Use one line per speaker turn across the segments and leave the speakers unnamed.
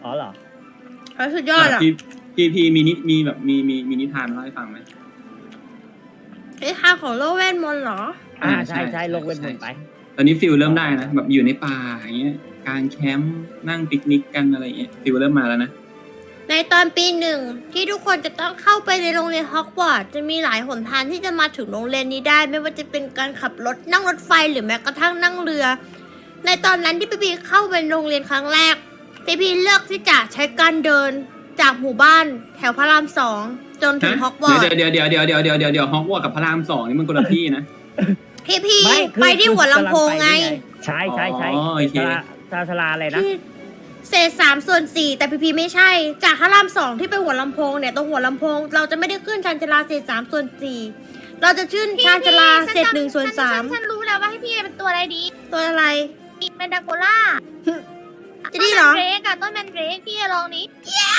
อ๋อเหรอ
สุดยอดอ่ะ
พี่มีแบบมีนิทานมาเล่าให้ฟังไหม
ไอ้ทางของโลกเวทมนต์เหรอ
ใช่ลงเวทมนต์ไป
ตอนนี้ฟิลเริ่มได้นะแบบอยู่ในป่าอย่างเงี้ยกางแคมป์นั่งปิกนิกกันอะไรเงี้ยฟิลเริ่มมาแล้วนะ
ในตอนปีหนึ่งที่ทุกคนจะต้องเข้าไปในโรงเรียนฮอกวอตส์จะมีหลายหนทางที่จะมาถึงโรงเรียนนี้ได้ ไม่ว่าจะเป็นการขับรถนั่งรถไฟหรือแม้กระทั่งนั่งเรือ ในตอนนั้นที่พี่พีเข้าไปโรงเรียนครั้งแรกพี่พีเลือกที่จะใช้การเดินจากหมู่บ้านแถวพระราม2จนถึงฮอกวอตส์
เดี๋ยวฮอกวอตส์กับพระราม2นี่มันคนละที่นะ
พี่
ไม่คือ
ไปที่หัวลำโพงไง
ใช่
อ๋อโอเค
ชลาอะไรนะ
ที่เศษ3/4แต่พีไม่ใช่ จากพระราม2ที่ไปหัวลำโพงเนี่ยตรงหัวลำโพงเราจะไม่ได้ขึ้นชานชาลาเศษ3/4เราจะขึ้นชานชาลาเศษ1/3
ฉันรู้แล้วว่าให้พี่เป็นตัวอะไรดี
ตัวอะไร
เป็นดาโกล่า
จะดีเหรอ
ต้นแมนเดรกอะต้นแมนเดรกพี่ลองนี้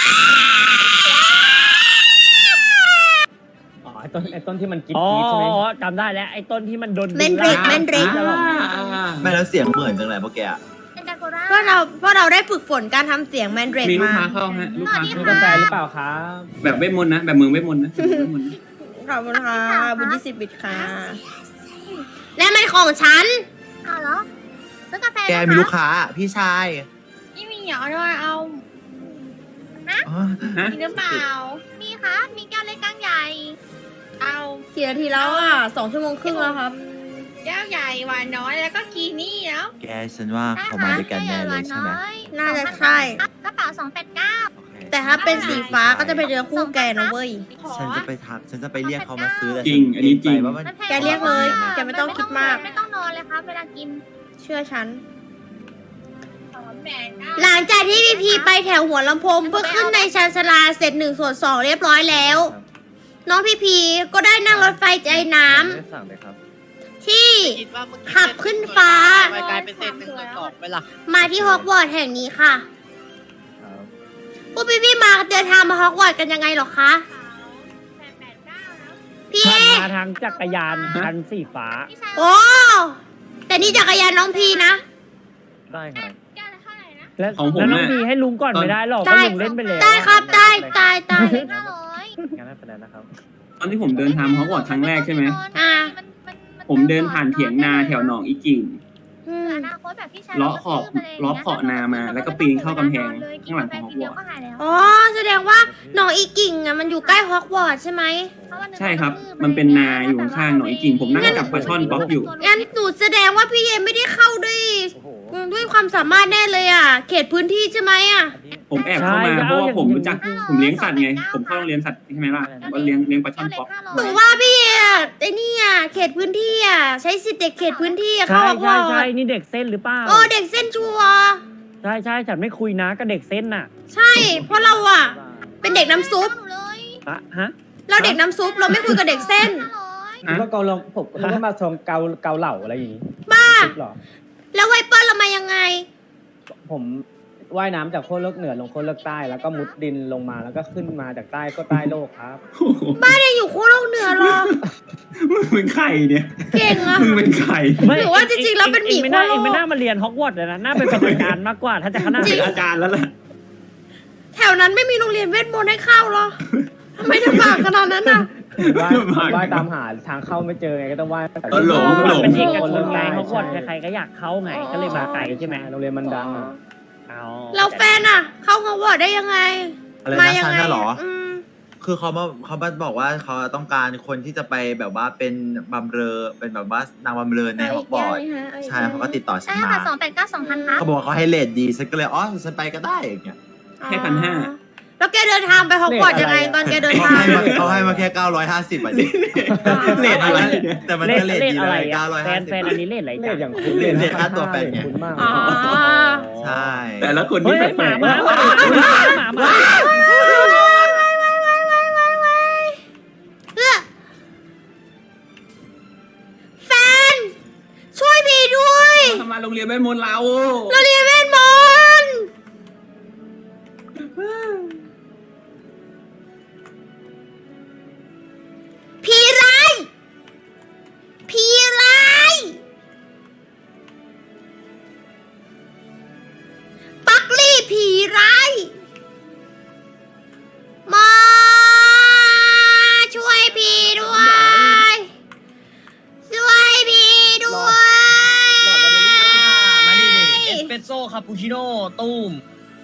อ๋อไอ้ต้นที่มันกิ๊บ
อ๋อ
ใช่ไหม
จำได้แล้วไอ้ต้นที่มันโดน
แมนเดรก
ไม่แล้วเสียงเหมือนจังเลยพวกแกอะ
เป็นดาโกล่า
เพราะเราได้ฝึกฝนการทำเสียงแมนเดรก
มีลูก
มา
ค้าเข้าฮะลูกค้า
มี
เข้า
กาแฟหรือเปล่าครับ
แบบเวทมนต์นะแบบเมืองเวทมนต์นะ
ขอบคุณค่ะบุญ20 บิตค่ะ และมันของฉัน
เอาเหรอซื้อกาแฟ
แกมีลูกค้าพี่ชาย
นี่มีเหรอด้วยเอา
อ๋อ
ฮะ
มีหรือเปล่า มีค่ะมีแก้วเล็กแก้วใหญ่ เอา
กี่นาทีแล้วอ่ะ2 ชั่วโมงครึ่งแล้วครับ
แก้วใหญ่หวานน้อยแล้วก็กีนี่แล้ว
แกฉันว่าเขามาด้วยกันแน่เลยใช่ไหม
น่าจะใช่
กระเป๋า289
โอเค
แต่ถ้าเป็นสีฟ้าก็จะเป็นเรือคู่แกนะเว้ย
ฉันจะไปทักฉันจะไปเรียกเขามาซื้อแต่
จริงอันนี้จริง
ว่ามัน
แกเรียกเลยแกไม่ต้องคิดมาก
ไม่ต้องนอนเลยครับเวลากิน
เชื่อฉัน
289
หลังจากที่พีไปแถวหัวลำโพงเพื่อขึ้นในชานชาลาเสร็จ1/2เรียบร้อยแล้ว น้องพีก็ได้นั่งรถไฟใจน้ำ
ไม่ได้สั่งเลยครับ
ที่ขับขึ้นฟ้า
กลายเป็นเศษ1/2ไปละ
มาที่ฮอกวอตส์แห่งนี้ค่ะ
ครับ
พวกพี่มาเดินทางมาฮอกวอตส์กันยังไงหรอคะพี่
ขั
เอบ
มาทางจักรยานคันสีฟ้า
โอ้แต่นี่จักรยานน้องพีนะ
ได้ครับ
แก้วละเท่าไหร่นะ
แล้ว
ของผม
แล้วน้อง
น่ะ
พีให้ลุงก่อนไม่ได้หรอก
ได้
ก็ลุงเล่นไปแล้ว
ได้ครับได้ตาย
500
งั้นไม่เป็นไรนะครับ
ตอนที่ผมเดินทางฮอกวอตส์ครั้งแรกใช่ไหม
อ่า
ผมเดินผ่านเถียงนาแถวหนองอีกิ่ง
อืม
อนาคตแบบพี่ชาย
เลาะขอบเลาะเขาะนามาแล้วก็ปีนเข้ากำแพงข้างหลังของฮอกวอตส์
ก็หายแล้ว
อ๋อแสดงว่าหนองอีกิ่งอ่ะมันอยู่ใกล้ฮอกวอตส์ใช่ไหม
ใช่ครับ มันเป็นนาอยู่ข้างๆหนองอีกิ่งผมนั่งกับปลาช่อนป๊อกอยู่
งั้นหนูแสดงว่าพี่เอไม่ได้เข้าด้วย
โอ้โห
ด้วยความสามารถแน่เลยอ่ะ เขตพื้นที่ใช่ไหมอ่ะ
อันนี้
ผมแอบเข้ามาเพราะว่าผมรู้จักผมเลี้ยงสัตว์ไง ผมเข้าโรงเรียนสัตว์ใช่ไหมล่ะผมก็เลี้ยงปลาช่อนป๊อก
หนูว่าพี่เออะไอ้นี่อ่ะเขตพื้นที่อ่ะใช้สิทธิ์เด็กเขตพื้นที่อ่ะเข้า
ใช่
ฮอกวอ
ใช่
ตส์
นี่เด็กเส้นหรือเปล่า
โอ้เด็กเส้นชัวร์
ใช่ฉันไม่คุยนะกับเด็กเส้นน่ะ
ใช่ เพราะเราอ่ะ เป็นเด็กน้ำซุป
ฮะ
เราเด็กน้ำซุปเราไม่คุยกับเด็กเส้น
คิดว่าเกาลงผมคิดว่ามาชมเกาเหล่าอะไรอย่างงี้
บ้า
คิดเหรอ
แล้วไวเปอร์เรามายังไง
ผมว่ายน้ำจากโคตรโลกเหนือลงโคตรโลกใต้แล้วก็มุดดินลงมาแล้วก็ขึ้นมาจากใต้ก็ใต้โลกครับ
บ้านเนี่ยอยู่คู่โลกเหนือเหรอ
มึงเป็นไข่เนี่ย
เก่งอ่ะ
มึงเป็นไข่
หรือว่าจริงๆแล้วเป็นหมี
เองไม่น่า
ขั้วโลก
เองไม่น่ามาเรียนฮอกวอตส์เลยนะ น่าเป็นประสบการณ์มากกว่า ถ้าจะขนาด
เป็น
นี้
อาจารย์แล้วล่ะ
แถวนั้นไม่มีโรงเรียนเวทมนต์ให้เข้าเหรอทำไมลำบากขนาดนั้นอ่ะ
ว่ายตามหาทางเข้าไม่เจอไงก็ต้องว่าย
หลง
เป็นเอกชนไง
ใช่
ฮอกวอตส์ใครๆก็อยากเข้าไง ก็เลยมาไกลใช่ไหม
โรงเรียนมันดังอ่ะ
เอา
เราแฟนอ่ะ เข้าฮอกวอตส์ได้ยังไง
อะไร
มา
นะ
ยั
ฉัน
ไง
น่ะเหรอ
ม
คือเขามาบอกว่าเขาต้องการคนที่จะไปแบบว่าเป็นบำเรอเป็นแบบว่านางบำเรอในฮอกวอตส์ใช่เขาก็ติดต่อฉัน
ใช่
มา
ค่ะ289 2,000ครับ
เขาบอกว่าเขาให้เรทดีฉันก็เลยอ๋อฉันไปก็ได้อย่างเงี้ย
ให้1,500
แล้วแกเดินทางไปฮอกวอตส์ยังไงตอนแกเดิน
เขา
ทาง
ให้มาแค่950อ่ะดิเรทอะไรแต่มันก็เรทดี
อะไร
เลย
อะแฟนอันนี้เล่นอะไร
เล
จ้ะ
ขอย่างคุณ
เรทค่าตัวแฟนไง
คุณมาก
อ๋อ
ใช่
แต่ละคน
เฮ้
ที่
ย
แป
ห
ล
มาก
ๆ
หมาหมา
แฟน ช่วยพี่ด้วย
ทำมาโรงเรียนเวทมนต์เรา
เราเรียนเวทมนต์ผีร้ายผีร้ายปักลี่ผีร้าย
อุ้ม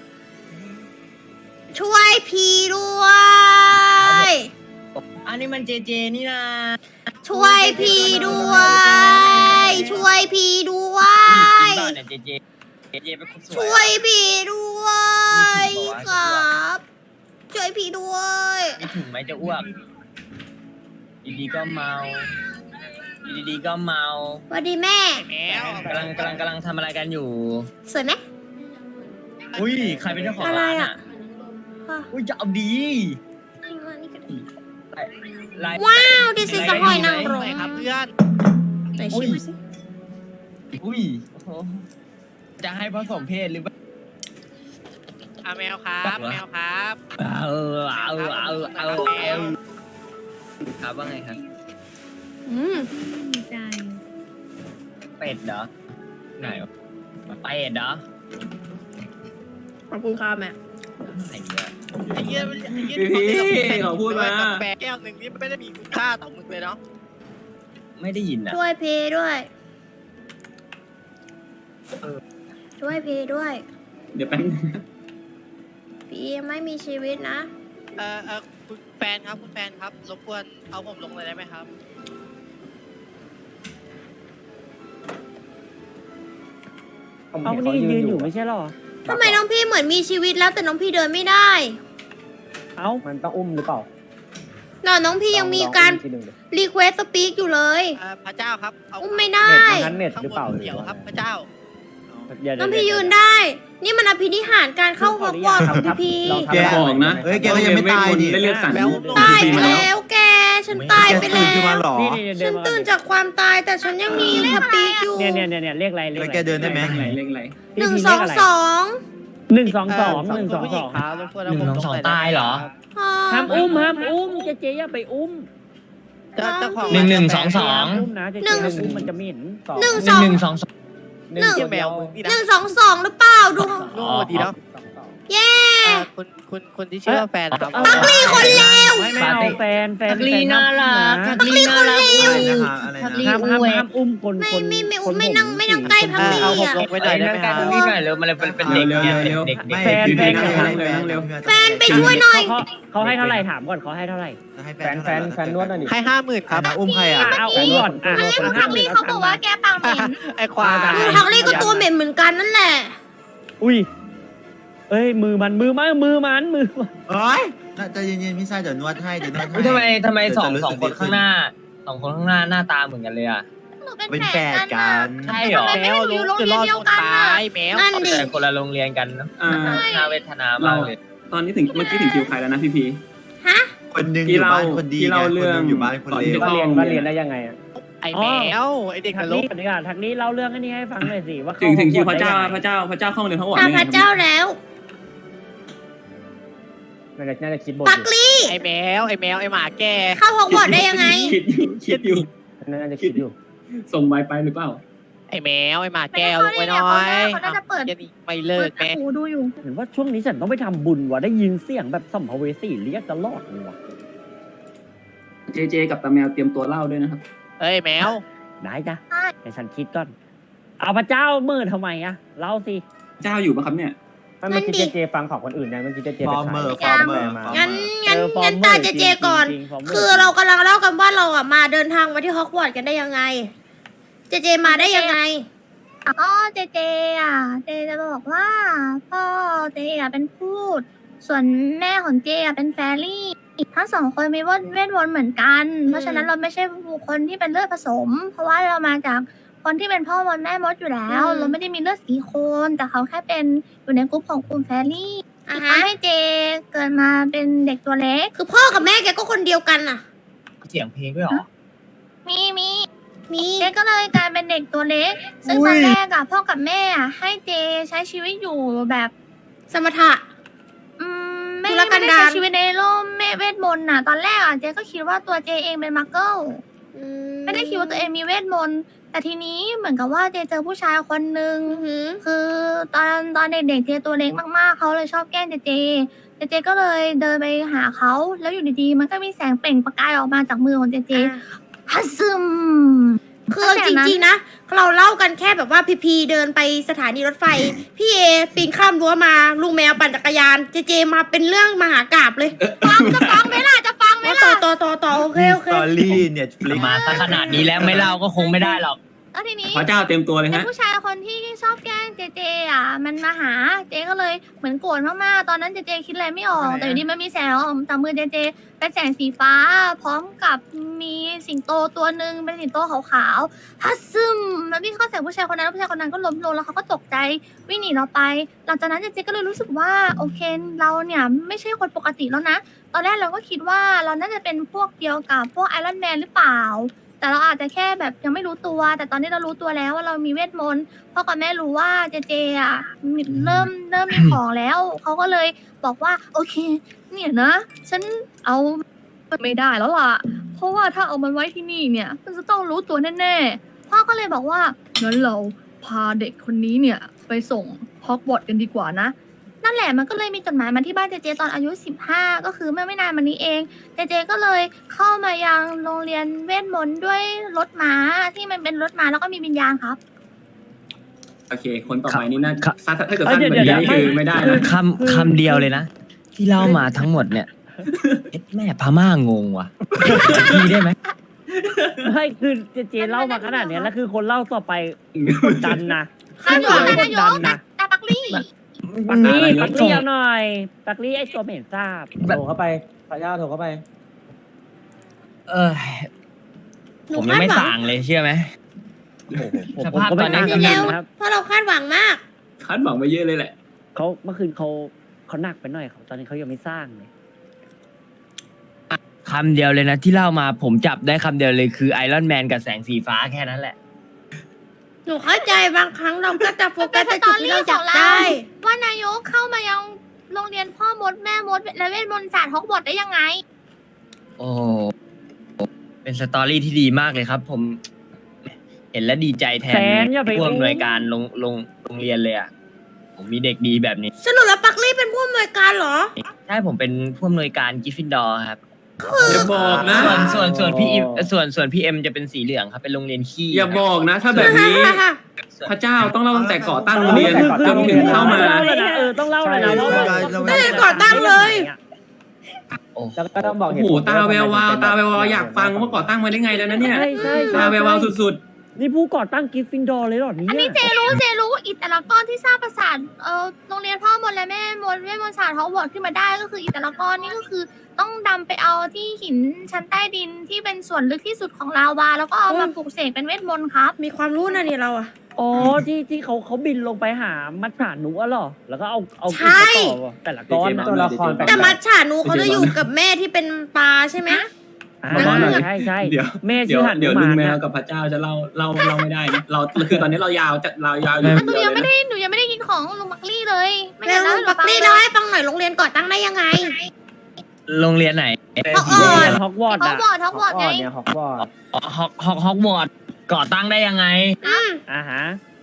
ช่วยพีด้วย
อันนี้มันเจเจนี่นะ
ช่วยพีด้วย ช่วยพีด้วย
จริงเปล่าเนี่ยเจเจเป็นคนสวย
ช่วยพีด้วยครับ ช่วยพีด้วย
มีถึงไหมจะอ้วกดีๆก็เมาดีๆก็เมา
สวัสดีแม่
กำลังทำอะไรกันอยู่
สวยไหม
อุ้ยใครเป็นเจ้าของ
อะไร
ร้าน
อ่ะ
อ่ะอุ้ยจะเอาดี
ว้าวดิสิสหอยนางรม
ครับเพื่อน
ไหนชิมสิ
อุ้ยโอ้โหจะให้ผสมเพศหรือเปล่า
แมวครับแมวครับ
เอาครับว่าไงครับ
อืม
เป็ดเหรอไหนวะเป็ดเหรอ
ขอบคุณค่ะแม่
ไหนเนี่ย
ไอ้เหี้ย
พี่ขอพูดมา
แปลแก้วหนึ่งนี่ไม่ได้มีคุณค่าต่อมึงเลยเนาะ
ไม่ได้ยินอ่ะ
ช่วยพีด้วย ช่วยพีด้วย
เดี๋ยวแป๊บนึง
พียังไม่มีชีวิตนะ
คุณแฟนครับคุณแฟนครับรบกวนเอาผมลงเลยได้ไหมครับ
ผม
เอา
เห็น
นี่
เขา
ยื
ยื
น
น
อ
อยู่ ยู่
ไม่ใช่หรอ
ทำไมน้องพี่เหมือนมีชีวิตแล้วแต่น้องพี่เดินไม่ได้
เอ้า
มันต้องอุ้มหรือเปล่า
น่ะน้องพี่ยังมีการ
ลองอุ้มทีหนึ่งดิ
รีเควสสปีกอยู่เลย
พระเจ้าครับเอา
อุ้มไม่ได้
เน็ตนั้นเน็ต
ข้าง
หรือบ เปล่าน
เดี๋ยวครับพระเจ้า
น้องพี่ยืนได้ นี่มันอภินิหารการเข้าฮอกวอตส์ของพี่พี
ลองทำ
แก
บอกนะ
เฮ้ยแกก็ยังไม่ตายนี่
ได้เลือดสั่น
ตายไป
มาแล้ว
แล้วแก ฉันตายไป
แกตื่น
แล้
ขึ้นมาว หรอ
นี่เดิ
ฉั
น
น
มา
ตื่นจากความตายแต่ฉันยังมีสปีกอยู่
เนี่ยเรียกอะไรเรียก
แล้ว
อะไร
แกเดินได้ไหม
เลขอะไร
หนึ่งสองสอง
หนึ่งสองสองหนึ่งสองสอง
ครับรบกวนเอาผมลง
1 2 2ตายเหรอ
ห้ามอุ้มเจ๊อย่าไปอุ้ม
เจ้าของ
1 1 2
ห้ามอุ้มนะเจ๊ห้ามอุ้มมันจะเหม็น
หนึ่ง
2
สอง
1 1 2 2
หนึ่ง
เหี้ยแมวมึงนี่
ห
นะ
นึ่งสองสองหรือเปล่าดู
โง่ดีเนาะ
เย้
คุณที่ชื่อว่าแฟนนะครับ
ปักลี่คนเลว
ไม่เอาแฟน
ทักลีน่ารักทักลีน่ารัก
อะไรนะคะอะไร
ทักลี
นะ
ห้ามอุ้มคน
ไม่
คน
ไม่ไม่
คน
ไม่นั่งไม่นั่งใกล้พักลี่
เอาผม
อ่ะ
ลงไปหน่อยได้ไหมครับ
นี่หน่อยเร็วมันเลยเป็นเด็กเนี่ยเด็ก
ไม่
แฟน
พี่
แฟน
นั่ง
แฟน
เร็ว
แฟนไปช่วยหน่อย
เขาให้เท่าไหร่ถามก่อนเขาให้เท่าไหร่
ให้
แฟนแฟนนวดหน่อยดิ
ให้50,000ครับ
อุ้มใครอ่ะ
เอาอุ้มก่อนอ่ะ
พักลี่เขาบอกว่าแกปากเหม็น
ไอ้ควาย
พักลี่ก็ตัวเหม็นเหมือนกันนั่นแหละ
อุ้ยเอ้ยมือมัน
เอ้ยน่าจะเย็นๆพี่ชายเดี๋ยวนวดให้เดี๋ยวนวดให้
ทำไมสองคนข้างหน้าหน้าตาเหมือนกันเลยอ่ะ
หนูเป็น
เป็น
แฝ
แฝ
ด
ด
กั
กัน น
ใช่เหรอ
ไม่ได้อยู่โรงเรียนเดียวกัน
ต
อะ
ายแมว
นั่นดิ
แต่คนละโรงเรียนกันเนอะ
อ่า
น่าเวทนามากเลย
ตอนนี้ถึงเมื่อกี้ถึงคิวใครแล้วนะพี่พี
ฮะ
คนหนึงอยู่บ้านคนดี
ที่
ไง
เล่า
คน
เรื่
ห
อง
นึงอยู่บ้านคนเลว
ก่อนที่
ว่าเรียนได้ยังไงอ่ะ
ไอ้แมวไอ้เด็กน
ทัก
ร
นี้
ก
ก่อนดีกว่าทักนี้เล่าเรื่องอันนี้ให้ฟังหน่อยสิว่า
ถึงคิวพระเจ้าเข้ามาเรียนทั้งหมด
ตามพระเจ้าแล้ว
น่าจะคิดบท
ปั
อก ยู่
ลี่
ไอ้แมวไอ้หมาแก
เข้าฮอกวอตส์ได้ยังไง
คิดอยู่
น่าจะคิดอยู่
ส่งไวไปหรือเปล่า
ไอ้แมวไอ้หมาแกลงไปหน่อย
เขาน่าจะเปิด
ยันไม่เลิกแม่
หูดูอยู่
เห็นว่าช่วงนี้ฉันต้องไปทำบุญว่ะได้ยินเสียงแบบสัมภเวสีเรียกตลอดเลยว่ะ
เจกับตาแมวเตรียมตัวเล่าด้วยนะครับ
เอ้ยแมว
ได้จ้ะแต่ฉันคิดก่อนเอาพระเจ้ามือทำไมอะเล่าสิ
เจ้าอยู่ปะครับเนี่ย
เมื่อกี้เจฟังของคนอื่นยังเมื่อกี้เจ
ฟอร์มเมอร์
ไป
ฟอ
ขาย
ร์มเมอร์
มา
งั้น
ฟอร์ม
ตา
เมอร์
เจเจก่อน
จริงๆฟร์มม
คือเรากำลังเล่ากันว่าเราอ่ะมาเดินทางมาที่ฮอกวอตส์กันได้ยังไง เจเจมาได้ยังไง
อ๋อเจเจอ่ะเจจะบอกว่าพ่อเจอ่ะเป็นพูด ส่วนแม่ของเจอ่ะเป็นแฟรี่ทั้งสองคนมีเวทมนต์เหมือนกัน เพราะฉะนั้นเราไม่ใช่บุคคลที่เป็นเลือดผสม เพราะว่าเรามาจากคนที่เป็นพ่อมดแม่มดอยู่แล้ว
อืม
เราไม่ได้มีเลือดสีโคนแต่เขาแค่เป็นอยู่ในกลุ่มของกลุ่มแฟรี่
อ่ะ
ทำ
ฮะ
ให้เจเกิดมาเป็นเด็กตัวเล็ก
คือพ่อกับแม่แกก็คนเดียวกันน่ะ
เสียงเพลงด้วยเหรอ
มี
มี
เจก็เลยกลายเป็นเด็กตัวเล็ก ซึ่งตอนแรกอะพ่อกับแม่อะให้เจใช้ชีวิตอยู่แบบ
สมถะ
ไม่
ธุรกัน
ได้
ดาร
ใช้ชีวิตในโลกเวทมนต์น่ะ ตอนแรกอะเจก็คิดว่าตัวเจเองเป็นมักเกิลไม่ได้คิดว่าตัวเองมีเวทมนต์แต่ทีนี้เหมือนกับว่าเจเจอผู้ชายคนนึง
อือหือ
คือตอนเด็กๆเจตัวเล็กมากๆเขาเลยชอบแกล้งเจก็เลยเดินไปหาเขาแล้วอยู่ดีๆ มันก็มีแสงเปล่งประกายออกมาจากมือของเจ
อ่ะ
ฮัสซึม
คือจริงๆนะ เราเล่ากันแค่แบบว่าพีเดินไปสถานีรถไฟ พี่เอปีนข้ามรั้วมา ลุงแมวปั่นจักรยาน เจมาเป็นเรื่องมหากาพย์เลย
จะฟังไหมล่ะจะฟังไหมล่ะ
ต่อโอเค
สตอรี่เน็ตฟลิก
มาซะขนาดนี้แล้วไม่เล่าก็คงไม่ได้หรอก
แล้วทีนี้
พระเจ้าเต็มตัวเลย
ไอ้
ฮะ
ผู้ชายคนที่ชอบแกล้งเจอ่ะมันมาหาเจก็เลยเหมือนโกรธมากๆตอนนั้นเจคิดอะไรไม่ออก แต่อยู่ดีมันมีแสงออกจากมือเจเป็นแสงสีฟ้า พร้อมกับมีสิงโตตัวหนึ่งเป็นสิงโตขาวๆฮัสซึมแล้ววิ่งเข้าใส่ผู้ชายคนนั้นผู้ชายคนนั้นก็ล้มลงแล้วเขาก็ตกใจวิ่งหนีเราไป หลังจากนั้นเจก็เลยรู้สึกว่าโอเคเราเนี่ยไม่ใช่คนปกติแล้วนะ ตอนแรกเราก็คิดว่าเราน่าจะเป็นพวกเดียวกับพวกไอรอนแมนหรือเปล่า แต่เราอาจจะแค่แบบยังไม่รู้ตัว แต่ตอนนี้เรารู้ตัวแล้วว่าเรามีเวทมนต์พ่อกับแม่รู้ว่าเจอ่ะเริ่มมีของแล้ว เขาก็เลยบอกว่าโอเค เนี่ยนะ ฉันเอาไม่ได้แล้วล่ะ เพราะว่าถ้าเอามันไว้ที่นี่เนี่ยมันจะต้องรู้ตัวแน่ๆ พ่อก็เลยบอกว่างั้นเราพาเด็กคนนี้เนี่ยไปส่งฮอกวอตส์กันดีกว่านะ นั่นแหละมันก็เลยมีจดหมายมาที่บ้านเจตอนอายุ15ก็คือเมื่อไม่นานมานี้เองเจก็เลยเข้ามายังโรงเรียนเวทมนต์ด้วยรถม้าที่มันเป็นรถม้าแล้วก็มีวิญญาณครับ
โอเค คนต่อไปนี่น่า
ครับ
ถ้าเกิดสั้นแบบนี้นี่คือไม่ได้นะ
คำเดียวเลยนะ ที่เล่ามาทั้งหมดเนี่ยเอ็ดแม่พม่างงว่ะพี่ได้ไหม
ไม่คือเจเล่ามาขนาดเนี้ยแล้วคือคนเล่าต่อไปกดดันนะ
ข้าวเหนียว
ก
นาย
ด
ก
ดันนะ
ตาปักลี่
ปักลี่ปักลี่เอาหน่อยปักลี่ไอ้ตัวเหม็นทราบ
โทรเข้าไปพระเจ้าโทรเข้าไป
เออผมยังไม่สั่งเลยเชื่อไหม
ผม
สภาพ
ก็
ต
ไม่
อนนี้
ต่าง
เร็
กัน
ว
นะครับ
เพราะเราคาดหวังมาก
คาดหวังไปเยอะเลยแหละ
เขาเมื่อคืนเขาหนักไปหน่อยเขาตอนนี้เขายังไม่สร้างเลย
คำเดียวเลยนะที่เล่ามาผมจับได้คำเดียวเลยคือไอรอนแมนกับแสงสีฟ้าแค่นั้นแหละ
หนูเข้าใจบางครั้งเราก็จะโฟกัสในจุดที่เราจับได้
ว่านายกเข้ามายังโรงเรียนพ่อมดแม่มดและเวทมนต์ศาสตร์ฮอกวอตส์ได้ยังไง
โอ้เป็นสตอรี่ที่ดีมากเลยครับ ผมเห็นแล้วดีใจแทน
แสนอย่าไป
ผู้อำนวยการโรงเรียนเลยอ่ะผมมีเด็กดีแบบนี้
สรุปแล้วปักลี่เป็นผู้อำนวยการเหรอ
ใช่ผมเป็นผู้อำนวยการกิฟฟินดอร์ครับ
อย่าบอกนะ
ส่วนพี่อิมส่วนพี่เอ็มจะเป็นสีเหลืองครับเป็นโรงเรียนขี้
อย่าบอกนะ ถ้าแบบนี้ พระเจ้าต้องเล่าตั้งแต่ก่อตั้งโรงเรียนจนถึงเข้ามา
ต้องเล่าเลยนะต้องเล่าเลยนะว่า
ตั้งแต่ก่อตั้งเลย
โอ้
แล้วก็ต้องบอก
โอ้
เหตุ
โห
ผล
ตาแวววาวตาแวววาวอยากฟังว่าก่อตั้งมาได้ไงแล้วนะเนี่ย
ใช่ใช่
ตาแวววาวสุด
นี่ผู้ก่อตั้งกิฟฟินดอร์เลยเหรอเนี่ย
อันนี้เจรู้อิตาลกอนที่สร้างปราสาทโรงเรียนพ่อมดและแม่มดเวทมนต์ศาสตร์ฮอกวอตส์ขึ้นมาได้ก็คืออิตาลกอนนี่ก็คือต้องดำไปเอาที่หินชั้นใต้ดินที่เป็นส่วนลึกที่สุดของลาวาแล้วก็เอามาปลูกเสกเป็นเวทมนต์ครับ
มีความรู้นะเนี่ยเราอะ
อ๋อที่เขาบินลงไปหามัจฉาหนูอะเหรอแล้วก็เอา
ใช่
กินต่อแต่ละก้อน
ตัวละครแปลก
แต่มัจฉานูเขาจะอยู่กับแม่ที่เป็นปลาใช่ไหม
อ่าใช่ใช่
ๆ เดี๋ยว
แม่
เดี๋
ชื่
ยว
อหัน
เดี๋ยว
มา
ลุงแม
นะ
วกับพระเจ้าจะเล่าไม่ได้นะเราคือตอนนี้เรายาวจะเรายาวอยู่
หนู
เดียว
ยัง
เล
ไม่
ย
ได้
นะ
หนูยังไม่ได้ยินของลุงมักลี่เลย ไม่
แล้
ได้
ว
เล่า
ปักลี่เล่าให้ฟังหน่อยโรงเรียนก่อตั้งได้ยังไง
โรงเรียนไหน
ฮอกวอตส์
ฮอกวอตส์
ฮอก
อะ
วอตส์ฮอกวอตส์ไง
เนี่ยฮอกวอตส์
ฮอกวอตส์ก่อตั้งได้ยังไง
อ่าฮะ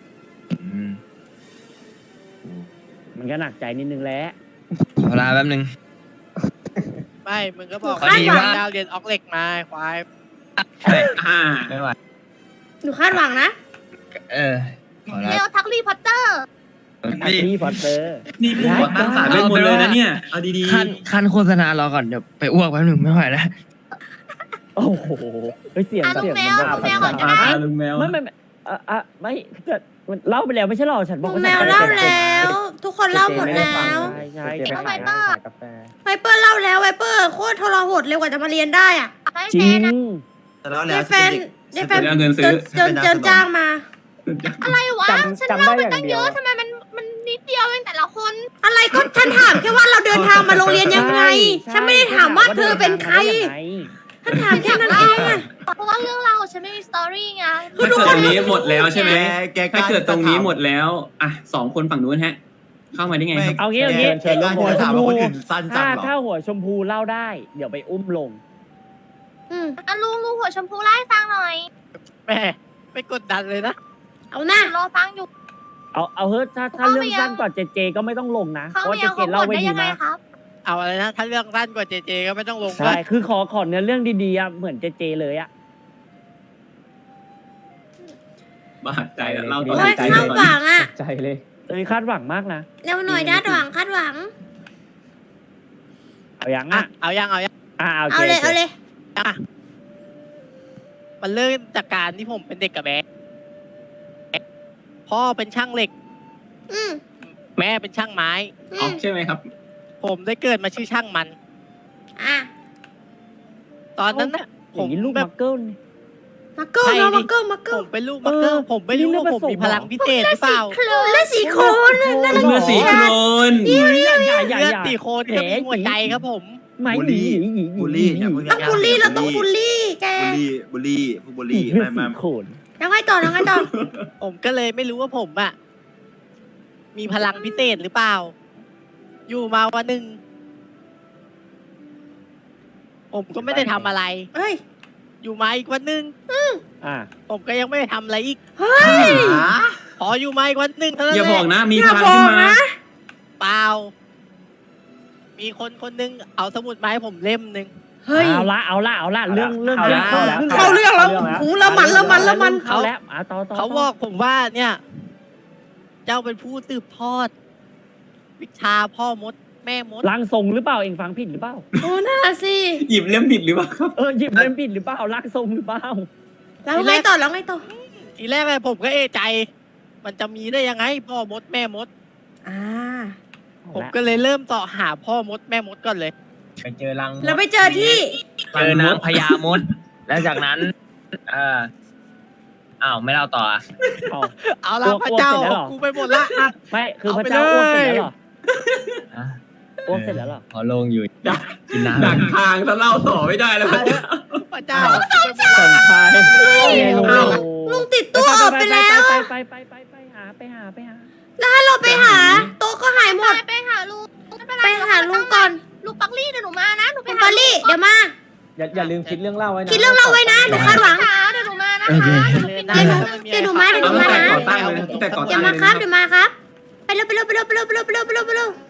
มันก็หนักใจนิดนึงแหล้ว
ขอลาแป๊บนึง
ไม่ มึงก็บอก
พอดีว่า
ดาวเรียนออกเหล็กมาควาย
ใช่ ไม่ไหว
หนูคาดหวังนะ
เออขอลา
เร็วทักลี่พอตเตอร์
นี่พี่พอตเตอร์
นี่ผู้ก่อตั้งศาสตร์เวทมนต์เลยนะเนี่ยเอาดี
ขั้นโฆษณารอก่อนเดี๋ยวไปอ้วกแป๊บนึงไม่ไหวแล้ว
โอ้โหเฮ้ยเสียง
อ่ะ
เสียง
ลุงแมว
มัน
ลุงแมวก่อนก็ได้
ลุงแมว
ไม่ไม่แต่มันเล่าไปแล้วไม่ใช่หรอฉันบ
ลุ
อก
ง
ว่า
แม
ฉัน
วเล่าแล้ว ทุกคนเล่าหมดแล้ว
ใช่ใช่
เจไป
ใช่
ขายร้านขายกาแฟ
ไวเปอร์เล่าแล้วไวเปอร์โคตรทรหดเร็วกว่าจะมาเรียนได้อ่ะ
ให้
จ
แฟ
ริ
น
ง
นะ
แต่แล้ว
ยา
แล้ว
ยแฟนยายแฟน
เอาเงินซื้อ
เจินจ้างมา
อะไรวะ ฉัน
จำ
เล่า
ได้
ไป
อย่า
ตั้
ง
ง
เดี
เย
ยว
อะทำไมมันนิดเดียวเองแต่ละคน
อะไรก็ฉันถามแค่ว่าเราเดินทางมาโรงเรียนยังไง ฉันไม่ได้ถามว่าเธอเป็นใครฉันถามแค่นั้นเองอะ
เพราะว่าเรื่องราวของฉันไม่มีสตอรี่ไง
ถ้าเกิดตรงนี้หมดแล้วใช่ไหม
แก
ถ้าเกิดตรงนี้หมดแล้วอ่ะ2 คนฝั่งนู้นฮะ เข้ามาได้ไงครับ
เอางี้เอางี้
เชิญลูก
หัวถามว่าคนอื่นสั้นจังเหรอ
ถ้าหัวชมพูเล่าได้ เดี๋ยวไปอุ้มลง
อ่ะลุงหัวชมพูไล่าให้ฟังหน่อย
แม่ไม่กดดันเลยนะ
เอาหน้า
รอฟังอยู่
เอาเฮ้ยถ้าเรื่องสั้นกว่าเจก็ไม่ต้องลงนะเพ
เขา
ราะว่า
เมี
เจ
ย
เจ
เขาบ
เล่า
ด
ไว้
ได้
ดี
ยังไง
มาก
ครับ
เอาอะไรนะ ถ้าเรื่องสั้นกว่าเจก็ไม่ต้องลง
ใช่คือขอเนื้อเรื่องดีๆอ่ะเหมือนเจเลยอ่ะ
บาดใจอะเราต่อ
โอ้ย
ใจ
คาดหวังอ่ะ
ใจเลย
ตอนนี้คาดหวังมากนะ
เร็วหน่อยด้าหวังคาดหวัง
เอายัง
อ่ะ
อ่ะ
เอายัง
เอา
เอาเลยเอาเลย
อ่ะมันเริ่มจากการที่ผมเป็นเด็กกับแม่พ่อเป็นช่างเหล็ก
อืม
แม่เป็นช่างไม้
อื
อ๋อ
ม
ใช่ไหมครับ
ผมได้เกิดมาชื่อช่างมัน
อ่ะ
ตอนนั้นน่ะ
อ
ผ
ย่าม งนี้ลูก
แบ
มั
บ
กเกิลนี่
มาเกิล
ใช่
เนาะ
ดิ
มาเกิลมาเกิ
ผ
ล
มเป็นลูกมักเกอร์ผมไม่รู้ว่าผมมีพลังพิเศษหรือเปล่า
และสีโคน
เมื่อสีโครน
อย่า
เลือดตีโคนก็มีหัวใจครับผม
ไม่
บูลลี่ บูลลี่อย่าเพิ่ง
ต้องบูลลี่เราต้องบูลลี่แก
บูลลี่พวกบูลลี่ไม่ไม่
โขน
แล้วไงต่อแล้วไงต่อ
ผมก็เลยไม่รู้ว่าผมอะมีพลังพิเศษหรือเปล่า อยู่มาวันหนึ่งผมก็ไม่ได้ทำอะไร
เฮ้ย
อยู่มาอีกวันหนึ่ง
อ่ะ
ผมก็ยังไม่ได้ทำอะไรอีก
เฮ้ย
พออยู่มาอีกวันหนึ่งเท่านั้น
อย่า
แห
บอก
ละ
นะ มี
อย่า
พลังขึ้น
บอก
มา
นะ
เปล่า มีคนคนหนึงเอาสมุดมาให้ผมเล่มหนึ่ง
เฮ้ย
เอาละเรื่อง
เข้าแล้ว
เข้าเรื่องแล้วหูละมันละมันละมัน
เข้าแล้วอ่ะต่อ
เขาบอกผมว่าเนี่ย เจ้าเป็นผู้สืบทอด วิชาพ่อมด แม่มด
ร่างทรงหรือเปล่าเองฟังผิดหรือเปล่า
โอ้น่าสิ
หยิบเล่มผิดหรือเปล่าครับ
หยิบเล่นผิดหรือเปล่าร่างทรงหรือเปล่า
แล้วไงต่อแล้วไงต่อ
ทีแรกเลยผมก็เอะใจ มันจะมีได้ยังไง พ่อมดแม่มด
อ่า
ผมก็เลยเริ่มต่อหาพ่อมดแม่มดก่อนเลย
ไปเจอรังมด
แล้วไปเจอที่
เจอนางพญามด แล้วจากนั้น อ้าวไม่เล่าต่ออ่ะ
เอา
เอาละ
อ้วก
พระเจ้า
อ้วกเสร็จแล้วเหรอ
กูไปหมดละอ่ะ
ไม่คือ
เอา
พระ
ไป
เจ้าอ้วกเสร็จ
เลย
แล้วเหรอ
อ่ะ
อ้วกเสร็จแล้วเหรอ
พอลงอยู่
ดัก
กิน
ดัก
น้ำ
ทางจะเล่าต่อไม่ได้แล้ว
พระเจ้า
สมชาย
อ้าว
ลุงติดตัวออกไปแล้ว
ไปหา
แล้วเราไปหา โต๊ะก็หายหมด
ไปหาลุงไม่เป็นไร
ไปหาลุงก่อน
ลุงปักลี่เดี๋ยวหนูมานะหนูไป
คุณ
หา
ปาลี่เดี๋ยวมา
อย่าลืมคิดเรื่องเล่าไว้นะ
คิดเรื่องเราไว้นะหนูคาดหวัง
เดี๋ยวหนูมานะ
โอเค
คะ
เลย
เดี๋ยวหนูมา
เอาตั้งแต่ก่อตั้งเลยนะตั้งแต่ก่อ
เดี๋
ตั้
ยว
ง
มา
เลย
ครับ
นะ
เดี๋ยวมาครับ ไปเร็วไปเร็วไปเร็วไปเร็วไปเร็วไปเร็วไปเร็วไปเร็ว